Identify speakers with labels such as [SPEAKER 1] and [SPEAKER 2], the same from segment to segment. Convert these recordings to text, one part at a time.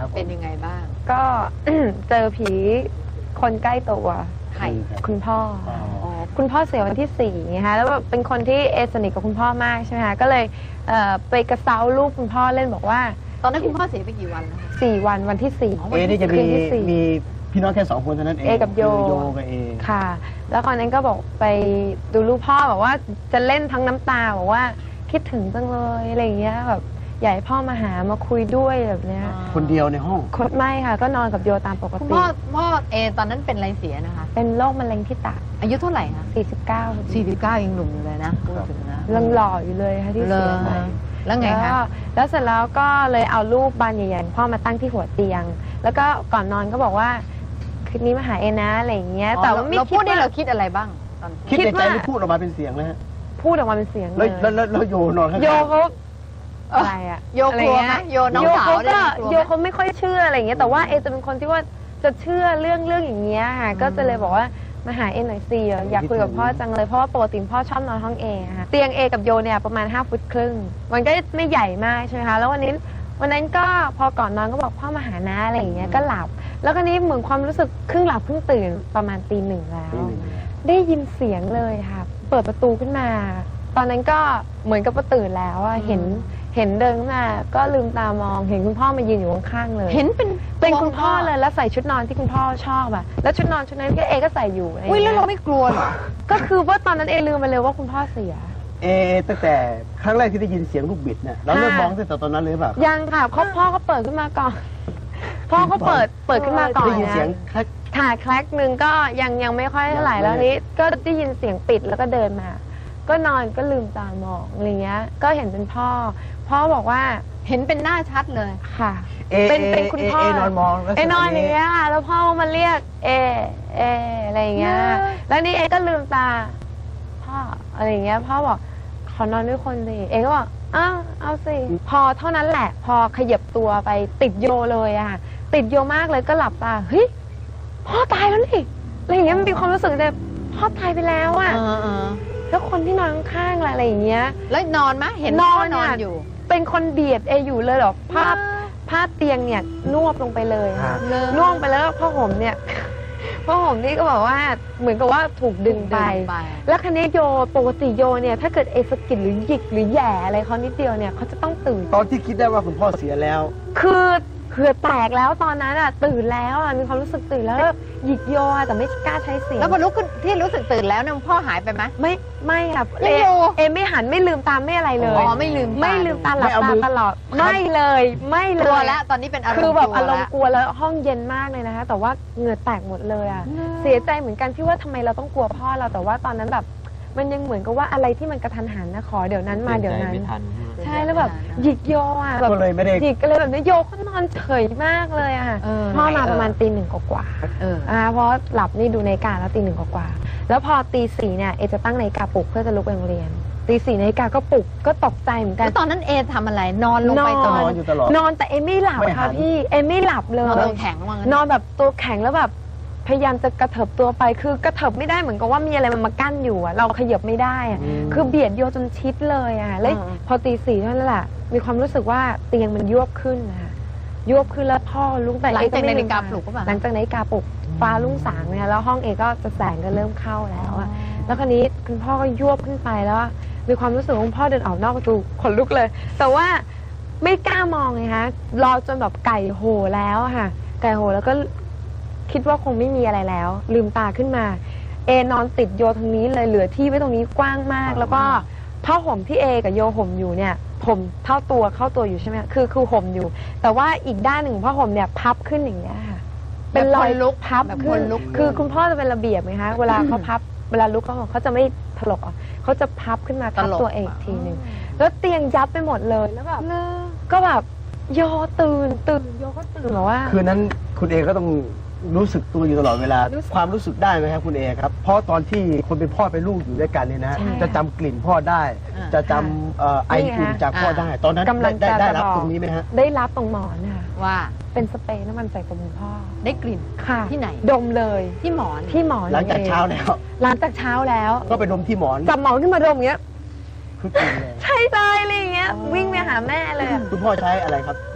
[SPEAKER 1] ครับ
[SPEAKER 2] เป็นยังไงบ้าง
[SPEAKER 3] ก็ เจอผีคนใกล้ตัว
[SPEAKER 2] ใคร
[SPEAKER 3] คุณพ่อ
[SPEAKER 1] อ๋อ
[SPEAKER 3] คุณพ่อเสียวันที่4นะคะแล้วแบบเป็นคนที่สนิทกับคุณพ่อมากใช่ไหมคะก็เลยไปกระเซ้าลูกคุณพ่อเล่นบอกว่า
[SPEAKER 2] ตอนนั้นคุณพ่อเสียไปกี่วันแล้วคะ
[SPEAKER 3] 4 วันวันที่4
[SPEAKER 1] นี่จะ
[SPEAKER 3] คืนที่
[SPEAKER 1] มีพี่น้องแค่2 คนเท่านั้นเอง
[SPEAKER 3] เอกับโย
[SPEAKER 1] คือโยกับเอ
[SPEAKER 3] ค่ะ แล้วตอนนั้นก็บอกไปดูลูกพ่อบอกว่าจะเล่นทั้งน้ำตาบอกว่าคิดถึงจังเลยอะไรอย่างเงี้ยแบบอยากให้พ่อมาหามาคุยด้วยแบบเนี้ย
[SPEAKER 1] คนเดียวในห้อง
[SPEAKER 3] ไม่ค่ะก็นอนกับโยตามปก
[SPEAKER 2] คุณ
[SPEAKER 3] ติ
[SPEAKER 2] พ่อตอนนั้นเป็นอะไรเสียนะคะ
[SPEAKER 3] เป็นโรคมะเร็งที่ตับ
[SPEAKER 2] อายุเท่าไหร่คะ
[SPEAKER 3] 49
[SPEAKER 2] 49ยังหนุ่มอยู่เลยนะพูดถึงนะ
[SPEAKER 3] ยังหล่ออยู่เลยค่ะที่เสียไป
[SPEAKER 2] แล้วไงคะ
[SPEAKER 3] แล้วเสร็จแล้วก็เลยเอารูปบานใหญ่ๆพ่อมาตั้งที่หัวเตียง แล้วก็ก่อนนอนก็บอกว่าคืนนี้มาหาเอนะอะไรอย่างเงี้ยแต่ว่าไม่
[SPEAKER 2] เรา
[SPEAKER 3] คิ
[SPEAKER 2] พู
[SPEAKER 3] ด
[SPEAKER 2] ดได้
[SPEAKER 3] ว่า
[SPEAKER 2] เราคิดอะไรบ้างตอน
[SPEAKER 1] คิดในใจหรือพูดออกมาเป็นเสียงเลยฮะ
[SPEAKER 3] พูดออกมาเป็นเสียงเล
[SPEAKER 1] แล้วโยนอนข้างๆ
[SPEAKER 3] โยเขาอะไรอะ
[SPEAKER 2] โยกลัวไหมโยน้อง
[SPEAKER 3] โย
[SPEAKER 2] สาว
[SPEAKER 3] เขา
[SPEAKER 2] ได้
[SPEAKER 3] ก็
[SPEAKER 2] กลัว
[SPEAKER 3] โย
[SPEAKER 2] ไหม
[SPEAKER 3] เขาไม่ค่อยเชื่ออะไรอย่างเงี้ยแต่ว่าเอจะเป็นคนที่ว่าจะเชื่อเรื่องอย่างเงี้ยค่ะก็จะเลยบอกว่ามาหาเอหน่อยสิอยากคุยกับพ่อจังเลยเพราะว่าปกติพ่อชอบนอนห้องเอค่ะเตียงเอกับโยเนี่ยประมาณ5 ฟุตครึ่งมันก็ไม่ใหญ่มากใช่ไหมคะแล้ววันนั้นก็พอก่อนนอนก็บอกพ่อมาหานะอะไรอย่างเงี้ยก็หลับ แล้วคราวนี้เหมือนความรู้สึกครึ่งหลับครึ่งตื่นประมาณตี 1แล้ว ได้ยินเสียงเลยค่ะเปิดประตูขึ้นมา ตอนนั้นก็เหมือนกับว่าตื่นแล้วอะเห็นเดินขึ้นมาก็ลืมตามองเห็นคุณพ่อมายืนอยู่ข้างๆเลย
[SPEAKER 2] เห็นเป็น
[SPEAKER 3] คุณพ่อเลยแล้วใส่ชุดนอนที่คุณพ่อชอบอะแล้วชุดนอนชุดนั้นก็เอก็ใส่อยู่อะไรอย่าง
[SPEAKER 2] อุ้ยแล้ว
[SPEAKER 3] เงี้
[SPEAKER 2] เรา
[SPEAKER 3] ย
[SPEAKER 2] ไม่กลัวเหรอ
[SPEAKER 3] ก็คือว่าตอนนั้นเอลืมไปเลยว่าคุณพ่อเสีย
[SPEAKER 1] ตั้งแต่ครั้งแรกที่ได้ยินเสียงลูกบิดเนี่ยเราเริ่มมองตั้งแต่ตอนนั้นเลยหรือเปล่า
[SPEAKER 3] ยังค่ะพ่อก็เปิดขึ้นมาก่อน พ่อก็เปิดขึ้นมาก่อน
[SPEAKER 1] ได้ยินเสียง
[SPEAKER 3] นะ ค่ะแคลกหนึ่งก็ยังไม่ค่อยเท่าไหร่แล้วนี้ก็ได้ยินเสียงปิดแล้วก็เดินมา ก็นอนก็ลืมตามองอะไรเงี้ยก็เห็นเป็นพ่อบอกว่า
[SPEAKER 2] เห็นเป็นหน้าชัดเลย
[SPEAKER 3] ค่ะเป็นคุณพ่อ
[SPEAKER 1] เอนอนมองลักษณะ
[SPEAKER 3] นอนอย่างเงี้ยค่ะแล้วพ่อมาเรียกเออะไรอย่างเงี้ยแล้วนี่เอก็ลืมตาพ่ออะไรอย่างเงี้ยพ่อบอกขอนอนด้วยคนสิเอก็บอกอ้าวเอาสิพอเท่านั้นแหละพอขยับตัวไปติดโยเลยอะค่ะติดโยมากเลยก็หลับตาเฮ้ยพ่อตายแล้วนี่อะไรอย่างเงี้ยมันมีความรู้สึกแบบพ่อตายไปแล้วอะแล้วคนที่นอนข้างๆอะไรอย่างเงี้ย
[SPEAKER 2] แล้วนอนไหมเห็นพ่อนอนอยู่
[SPEAKER 3] เป็นคนเบียดเออยู่เลยเหรอผ้าเตียงเนี่ยนวบลงไปเลยค่ะนวบไปแล้วผ้าห่มเนี่ยผ้าห่มนี่ก็บอกว่าเหมือนกับว่าถูกดึงไป แล้วคันนี้โยปกติโยเนี่ยถ้าเกิดเอสะกิดหรือหยิกหรือแหย่อะไรเขานิดเดียวเนี่ยเขาจะต้องตื่น
[SPEAKER 1] ตอนที่คิดได้ว่าคุณพ่อเสียแล้ว
[SPEAKER 3] คือเหือแตกแล้วตอนนั้นอ่ะตื่นแล้วอ่ะมีความรู้สึกตื่นแล้วแบบหยิกโยอ่ะแต่ไม่กล้าใช้เสียง
[SPEAKER 2] แล้วพอลุกขึ้นที่รู้สึกตื่นแล้วเนี่ยพ่อหายไปไหม
[SPEAKER 3] ไม่ค่ะ
[SPEAKER 2] ไม่อยู่
[SPEAKER 3] เอไม่หันไม่ลืมตาไม่อะไรเลย
[SPEAKER 2] อ๋อไม่ลืมตา
[SPEAKER 3] หลับตาตลอดไม่เลยไม่เลย
[SPEAKER 2] กลัวแล้วตอนนี้เป็นอารมณ์
[SPEAKER 3] คือแบบอารม
[SPEAKER 2] ก
[SPEAKER 3] ณ์กลัวแล้วห้องเย็นมากเลยนะคะแต่ว่าเหงื่อแตกหมดเลยอ่ะเสียใจเหมือนกันที่ว่าทำไมเราต้องกลัวพ่อเราแต่ว่าตอนนั้นแบบมันยังเหมือนกับว่าอะไรที่มันกระทันหันนะขอเดี๋ยวนั้นมาเดี๋ยวนั้น ใช่แล้วแบบหยิกโยอ่ะแบบ
[SPEAKER 1] ก็เลยไม่ได้
[SPEAKER 3] หยิกอะไรแบบนี้โยก็นอนเฉยมากเลยอ่ะพ่อมาประมาณตี 1กว่าเพราะหลับนี่ดูนาฬิกาแล้วตี 1กว่าแล้วพอตี 4เนี่ยเอจะตั้งนาฬิกาปลุกเพื่อจะลุกไปโรงเรียนตี 4นาฬิกาก็ปลุกก็ตกใจเหมือนกัน
[SPEAKER 2] แล้วตอนนั้นเอทำอะไรนอนลงไป
[SPEAKER 1] นอนอยู่ตลอด
[SPEAKER 3] นอนแต่เอไม่หลับ
[SPEAKER 1] ไม่หั
[SPEAKER 3] ค่ะ
[SPEAKER 1] น
[SPEAKER 3] พี่เอไม่หลับเลย
[SPEAKER 2] นอนตัวแข็งว่างั้น
[SPEAKER 3] นอนแบบตัวแข็งแล้วแบบพยายามจะกระเถิบตัวไปคือกระเถิบไม่ได้เหมือนกับว่ามีอะไรมันมากั้นอยู่อะเราขยับไม่ได้อะคือเบียดโยจนชิดเลยอะแล้วพอตี 4เท่านั้นแหละมีความรู้สึกว่าเตียงมันยวบขึ้นนะคะยวบขึ้นแล้วพ่อลุกไป
[SPEAKER 2] หลังจาก
[SPEAKER 3] ไม่
[SPEAKER 2] นาฬิกาปลุกก็แบบ
[SPEAKER 3] หลังจากนาฬิกาปลุกฟ้ารุ่งสางเนี่ยแล้วห้องเอก็จะแสงก็เริ่มเข้าแล้วอะแล้วคราวนี้คุณพ่อก็ยวบขึ้นไปแล้วมีความรู้สึกว่าคุณพ่อเดินออกนอกประตูขนลุกเลย แต่ว่าไม่กล้ามองไงคะรอจนแบบไก่โหแล้วค่ะไก่โหแล้วก็คิดว่าคงไม่มีอะไรแล้วลืมตาขึ้นมาเอนอนติดโยทางนี้เลยเหลือที่ไว้ตรงนี้กว้างมากแล้วก็ผ้าห่มที่เอกับโยห่มอยู่เนี่ยผมเข้าตัวอยู่ใช่ไหมคือห่มอยู่ แต่ว่าอีกด้านหนึ่งผ้าห่มเนี่ยพับขึ้นอย่างเงี้ยค่ะเป็นรอยลุกพับ
[SPEAKER 2] แบบ
[SPEAKER 3] ขึ้
[SPEAKER 2] คน นลุก
[SPEAKER 3] คือคุณพ่อจะเป็นระเบียบไหมคะเวลาเขาพับเวลาลุกเขาจะไม่ถลกอ่ะเขาจะพับขึ้นมาทับตัวเองอีกทีหนึ่งแล้วเตียงยับไปหมดเลยแล้วแบบก็แบบโยตื่นโยก็ตื่นแบบว่า
[SPEAKER 1] คืนนั้นคุณเอก็ต้องรู้สึกตัวอยู่ตลอดเวลาความรู้สึกได้ไหมครับคุณเอครับเพราะตอนที่คนเป็นพ่อเป็นลูกอยู่ด้วยกันเนี่ยนะ
[SPEAKER 3] ใช่
[SPEAKER 1] จะจำกลิ่นพ่อได้ จะจำไออุ่นจากพ่อได้ ตอนนั้น
[SPEAKER 3] กำลังจะ
[SPEAKER 1] ได้รับ
[SPEAKER 3] บอก
[SPEAKER 1] ตรงนี้ไหมฮะ
[SPEAKER 3] ได้รับตรงหมอนค่ะ
[SPEAKER 2] ว่า
[SPEAKER 3] เป็นสเปรย์น้ำมันใส่ตัวคุณพ่อ
[SPEAKER 2] ได้กลิ่น
[SPEAKER 3] ค่ะ
[SPEAKER 2] ที่ไหน
[SPEAKER 3] ดมเลย
[SPEAKER 2] ที่หมอน
[SPEAKER 3] ที่หมอน
[SPEAKER 1] หลังจากเช้าแล้ว
[SPEAKER 3] หลังจากเช้าแล้ว
[SPEAKER 1] ก็ไปดมที่หมอน
[SPEAKER 3] จับหมอนขึ้นมาดมอย่างเงี้ย
[SPEAKER 1] คือกลิ่นเลย
[SPEAKER 3] ใช่เลยอะไรอย่างเงี้ยวิ่งไปหาแม่เลยอะ
[SPEAKER 1] คุณพ่อใช้อะไรครับ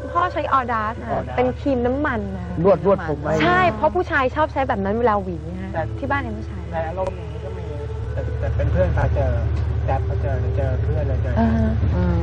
[SPEAKER 3] พ่อใช้ออดาสค่ะเป็นครีมน้ำมันนะ
[SPEAKER 1] นวดผมไว้
[SPEAKER 3] ใช่เพราะผู้ชายชอบใช้แบบนั้นเวลาหวีนะที่บ้านเอ็มผู้ชาย
[SPEAKER 4] ในอารมณ์อย่างนี้ก็มีแต่เป็นเพื่อนพาเจอแจ๊บพาเจอเพื่อนเลยเจอ
[SPEAKER 3] อ่าฮะ